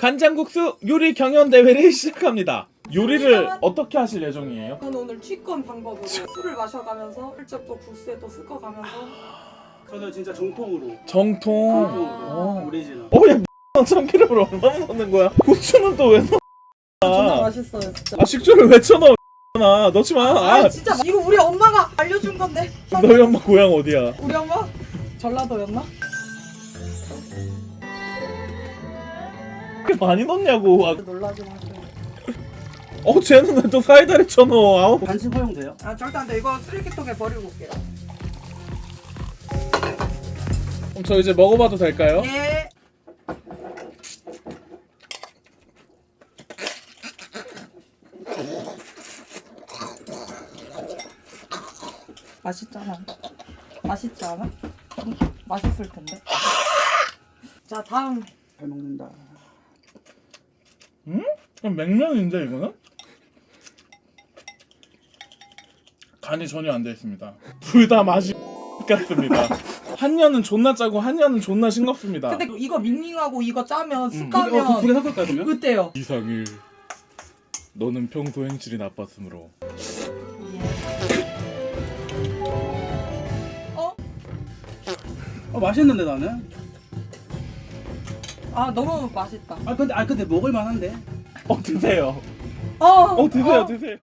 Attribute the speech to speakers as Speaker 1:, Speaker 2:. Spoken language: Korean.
Speaker 1: 간장국수 요리 경연 대회를 시작합니다. 요리를 어떻게 하실 예정이에요?
Speaker 2: 저는 오늘 취권 방법으로 술을 마셔가면서 슬쩍 또 국수에 또 섞어가면서
Speaker 3: 저는 진짜 정통으로.
Speaker 1: 정통.
Speaker 3: 오리지널.
Speaker 1: 야, 참기름을 얼마나 넣는 거야? 고추는 또 왜 넣어?
Speaker 2: 존나 맛있어요 진짜.
Speaker 1: 아, 식초를 왜 쳐넣어? 넣지 마.
Speaker 2: 아 진짜 이거 우리 엄마가 알려준 건데.
Speaker 1: 너희 엄마 고향 어디야?
Speaker 2: 우리 엄마 전라도였나?
Speaker 1: 그렇게 많이 넣냐고.
Speaker 2: 놀라지 마세요.
Speaker 1: 쟤는 왜 또 사이다를 쳐넣어? 아우.
Speaker 3: 간식 허용돼요?
Speaker 2: 아 절대 안 돼. 이거 쓰레기통에 버리고 올게요.
Speaker 1: 그럼 저 이제 먹어봐도 될까요?
Speaker 2: 예. 맛있잖아. 맛있지 않아? 응? 맛있을 텐데. 자 다음.
Speaker 3: 잘 먹는다.
Speaker 1: 그럼 냉면인데 이거는? 간이 전혀 안 돼 있습니다. 둘 다 맛이 같습니다. 한 년은 존나 짜고 한 년은 존나 싱겁습니다.
Speaker 2: 근데 이거 밍밍하고 이거 짜면 쑥
Speaker 3: 두개
Speaker 2: 가면
Speaker 3: 섞을까요 그러면?
Speaker 2: 어때요?
Speaker 1: 이상일, 너는 평소 행실이 나빴으므로.
Speaker 3: 맛있는데 나는.
Speaker 2: 아 너무 맛있다.
Speaker 3: 근데 먹을 만한데.
Speaker 1: 드세요.
Speaker 2: 어
Speaker 1: 드세요.